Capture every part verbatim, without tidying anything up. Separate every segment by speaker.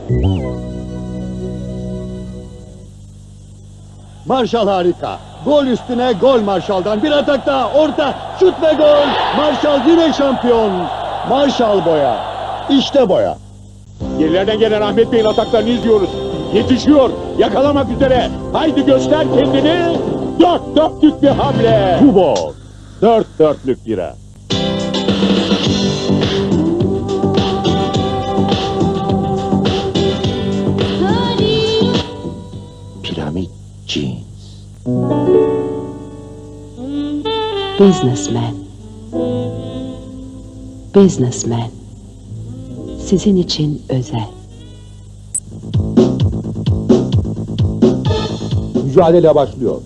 Speaker 1: Marshall harika. Gol üstüne gol Marshall'dan. Bir atak daha. Orta. Şut ve gol. Marshall yine şampiyon. Marshall boya. İşte boya.
Speaker 2: Gerilerden gelen Ahmet Bey'in ataklarını izliyoruz. Yetişiyor. Yakalamak üzere. Haydi göster kendini. Dört dörtlük bir hamle.
Speaker 1: Kubol.
Speaker 2: Dört dörtlük bira.
Speaker 3: Piramit Jeans.
Speaker 4: Businessman. Businessman. Sizin için özel.
Speaker 5: Mücadele başlıyor.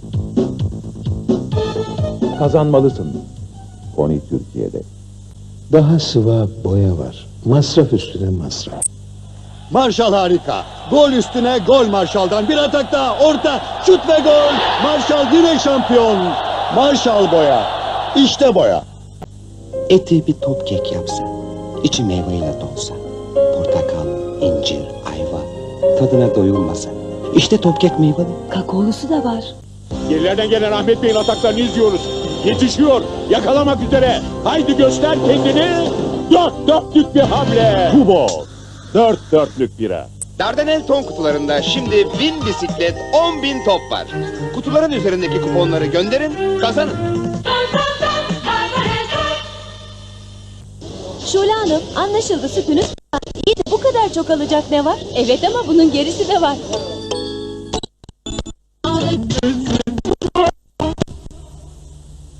Speaker 5: Kazanmalısın. Pony Türkiye'de.
Speaker 6: Daha sıvı boya var. Masraf üstüne masraf.
Speaker 1: Marshall harika. Gol üstüne gol Marshall'dan. Bir atak daha. Orta. Şut ve gol. Marshall yine şampiyon. Marshall boya. İşte boya.
Speaker 3: Eti bir top kek yapsa, içi meyveyle dolsa, portakal, incir, ayva, tadına doyulmasa. İşte top kek meyveli.
Speaker 4: Kakaolusu da var.
Speaker 2: Gerilerden gelen Ahmet Bey'in ataklarını izliyoruz. Yetişiyor. Yakalamak üzere. Haydi göster kendini. Dört dörtlük bir hamle.
Speaker 1: Kubol.
Speaker 2: Dört dörtlük bira.
Speaker 7: Dardanel ton kutularında şimdi bin bisiklet, on bin top var. Kutuların üzerindeki kuponları gönderin, kazanın.
Speaker 8: Şule Hanım, anlaşıldı sütünüz. İyi de bu kadar çok alacak ne var? Evet ama bunun gerisi de var.